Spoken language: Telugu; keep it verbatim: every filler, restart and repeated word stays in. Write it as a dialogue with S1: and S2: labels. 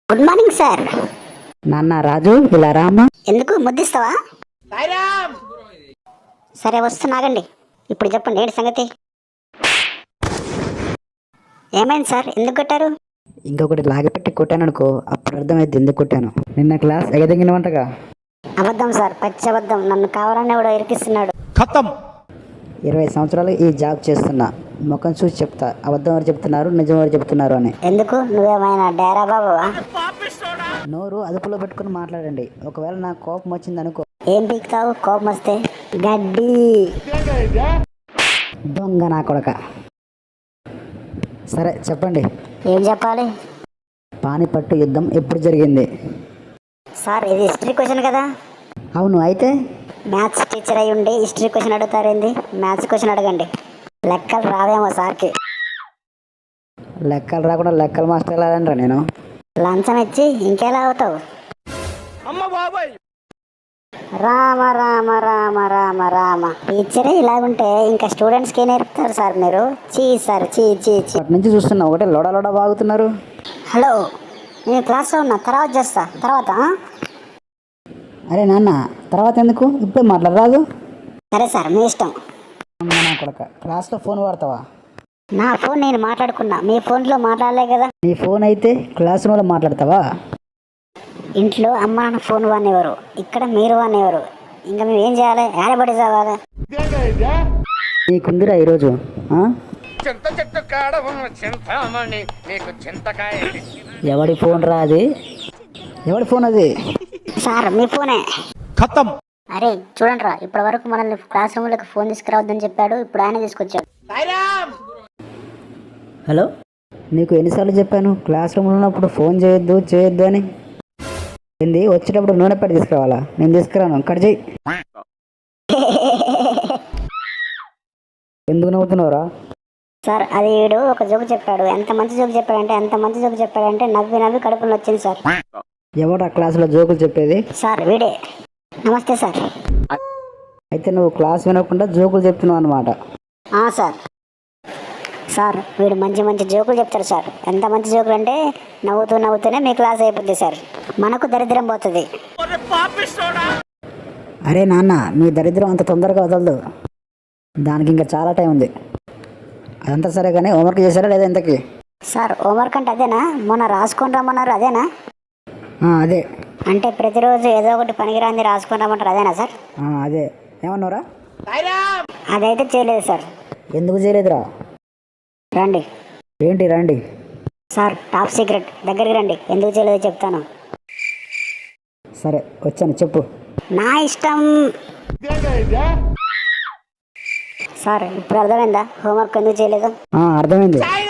S1: Good morning sir.
S2: నాన్న రాజు ఇలా రామ్మా.
S1: ఎందుకు ముద్దిస్తావా? సరే వస్తున్నాగండి. ఇప్పుడు చెప్పండి ఏంటి సంగతి? ఏమైంది సార్, ఎందుకు కొట్టారు?
S2: ఇంకొకటి లాగిపెట్టి కొట్టాను అనుకో, అప్పుడు అర్థమైంది ఎందుకు కొట్టాను. నిన్న క్లాస్ ఎగదగిన వంటగా.
S1: అబద్ధం సార్, పచ్చి అబద్ధం. నన్ను కావాలని కూడా ఇరికిస్తున్నాడు.
S3: ఖతం.
S2: ఇరవై సంవత్సరాలు ఈ జాబ్ చేస్తున్నా, ముఖం చూసి చెప్తా అబద్ధం ఎవరు చెప్తున్నారు నిజం ఎవరు చెప్తున్నారు అని.
S1: ఎందుకు, నువ్వేమైనా డేరా బాబువా?
S2: నోరు అదుపులో పెట్టుకుని మాట్లాడండి. ఒకవేళ నాకు కోపం వచ్చింది అనుకో.
S1: ఏం పీకుతావు కోపం వస్తే? గడ్డి.
S2: దొంగ నా కొడక. సరే చెప్పండి.
S1: ఏం చెప్పాలి?
S2: పానిపట్టు యుద్ధం ఎప్పుడు జరిగింది?
S1: సార్ ఇది హిస్టరీ క్వశ్చన్ కదా.
S2: అవును, అయితే
S1: మ్యాథ్స్ టీచర్ అయి ఉండి హిస్టరీ క్వశ్చన్ అడుగుతారేంది? మ్యాథ్స్ క్వశ్చన్ అడగండి. లెక్కలు రావేమో సార్కి.
S2: లెక్కలు రాకుండా లెక్కల మాస్టర్ ఎలా రా నేను?
S1: లంచం ఇచ్చి ఇంకెలా అవుతావు? రామ రామ రామ రామ రామ. టీచరే ఇలాగుంటే ఇంకా స్టూడెంట్స్కి నేర్పుతారు సార్ మీరు? చీ సార్, చీ చీ చీ.
S2: అటు నుంచి చూస్తున్నా ఒకటే లోడ లోడ బాగుతున్నారు.
S1: హలో, నేను క్లాస్లో ఉన్నా, తర్వాత చేస్తా. తర్వాత
S2: అరే నాన్న, తర్వాత ఎందుకు, ఇప్పుడే మాట్లాడరాదు?
S1: సరే సార్, మీ ఇష్టం.
S2: నా కొడక, క్లాస్లో ఫోన్ వాడతావా?
S1: నా ఫోన్ నేను మాట్లాడుకున్నా, మీ ఫోన్లో మాట్లాడలే కదా.
S2: నీ ఫోన్ అయితే క్లాస్ రూమ్లో మాట్లాడతావా?
S1: ఇంట్లో అమ్మ నాన్న ఫోన్ వాడినెవరు, ఇక్కడ మీరు వాడినెవరు? ఇంకా మేము ఏం చేయాలి? ఏడబడి చదవాలి.
S2: నీకుందిరా ఈరోజు.
S3: చింత చెట్టు కాడ ఉన్న చింతామణి నీకు చింతకాయ.
S2: ఎవడి ఫోన్ రా అది? ఎవడి ఫోన్ అది?
S1: సార్ మీ ఫోనే.
S3: ఖతం.
S1: అరే చూడండి రా, ఇప్పటి వరకు మనల్ని క్లాస్ రూమ్లోకి ఫోన్ తీసుకురావద్దని చెప్పాడు, ఇప్పుడు ఆయన తీసుకొచ్చాడు.
S2: హలో, నీకు ఎన్నిసార్లు చెప్పాను క్లాస్ రూమ్లో ఉన్నప్పుడు ఫోన్ చేయొద్దు చేయొద్దు అని? ఏంది, వచ్చేటప్పుడు నూనె పెట్టి తీసుకురావాలా? నేను తీసుకురాను, కట్ చేయి. ఎందుకు నవ్వుతున్నావురా?
S1: సార్ అది వీడు ఒక జోకు చెప్పాడు. ఎంత మంచి జోకు చెప్పాడంటే ఎంత మంచి జోకు చెప్పాడంటే నవ్వి నవ్వి కడుపులో వచ్చింది సార్.
S2: ఎవడా క్లాసులో జోకులు చెప్పేది?
S1: సార్ వీడే. నమస్తే సార్.
S2: అయితే నువ్వు క్లాస్ వినకుండా జోకులు చెప్తున్నావు అనమాట.
S1: సార్ సార్ వీడు మంచి మంచి జోకులు చెప్తారు సార్. ఎంత మంచి జోకులు అంటే నవ్వుతూ నవ్వుతూనే మీ క్లాస్ అయిపోద్ది సార్. మనకు దరిద్రం పోతుంది.
S2: అరే నాన్న, మీ దరిద్రం అంత తొందరగా వదలదు, దానికి ఇంకా చాలా టైం ఉంది. అదంతా సరే కానీ హోంవర్క్ చేశారా లేదా ఇంతకీ?
S1: సార్ హోంవర్క్ అంటే అదేనా? మొన్న రాసుకొని రమ్మన్నారు, అదేనా?
S2: అదే.
S1: అంటే ప్రతిరోజు ఏదో ఒకటి పనికిరాంది రాసుకొని రమ్మంటారు, అదేనా సార్?
S2: అదే. ఏమన్నారా?
S1: అదైతే చేయలేదు సార్.
S2: ఎందుకు చేయలేదురా?
S1: రండి.
S2: ఏంటి రండి?
S1: సార్ టాప్ సీక్రెట్, దగ్గరికి రండి. ఎందుకు చేయలేదో చెప్తాను.
S2: సరే వచ్చాను, చెప్పు.
S1: నా ఇష్టం. సార్ ఇప్పుడు అర్థమైందా హోంవర్క్ ఎందుకు చేయలేదు?
S2: అర్థమైంది.